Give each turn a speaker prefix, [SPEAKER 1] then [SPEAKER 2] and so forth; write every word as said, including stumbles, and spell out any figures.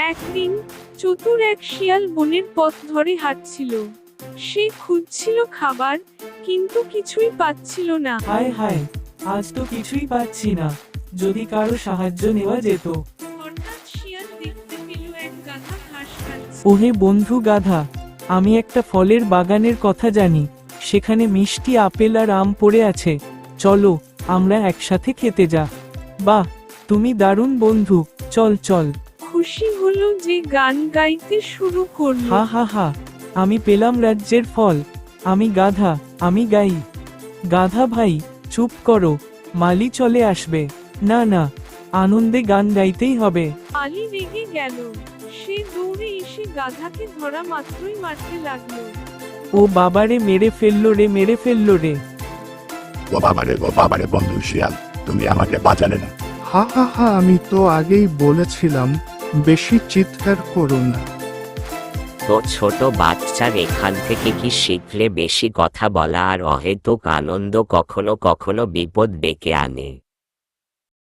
[SPEAKER 1] একদিন চতুর এক শিয়াল বনের পথ ধরে হাঁটছিল। সে খুঁজছিল খাবার, কিন্তু কিছুই পাচ্ছিল না।
[SPEAKER 2] হায় হায়, আজ তো কিছুই পাচ্ছি না, যদি কারো সাহায্য নেওয়া যেত।
[SPEAKER 1] হঠাৎ শিয়াল দেখতে পেল এক গাধা ঘাস খাচ্ছে।
[SPEAKER 2] ওহে বন্ধু গাধা, আমি একটা ফলের বাগানের কথা জানি, সেখানে মিষ্টি আপেল আর আম পড়ে আছে, চলো আমরা একসাথে খেতে যা। বাহ, তুমি দারুণ বন্ধু, চল চল।
[SPEAKER 1] খুশি হলো যে গান গাইতে শুরু করলো।
[SPEAKER 2] হা হা হা, আমি পেলাম রাজ্যের ফল, আমি গাধা, আমি গাই। গাধা ভাই চুপ করো, মালি চলে আসবে। না না, আনন্দে গান গাইতেই হবে।
[SPEAKER 1] আলী রেগে গেল। সে দৌড়ে এসে গাধাকে ধরা মাত্রই মারতে লাগলো।
[SPEAKER 2] ও বাবারে, মেরে ফেললো রে, মেরে ফেললো রে।
[SPEAKER 3] ও বাবারে, ও বাবারে বন্ধু শিয়াল, তুমি আমাকে বাঁচালে না।
[SPEAKER 4] হা হা হা, আমি তো আগেই বলেছিলাম বেশি চিৎকার করো না।
[SPEAKER 5] তো ছোট বাচ্চার এখান থেকে কি শিখলে বেশি কথা বলা আর অহেতুক আনন্দ কখনো কখনো বিপদ ডেকে আনে।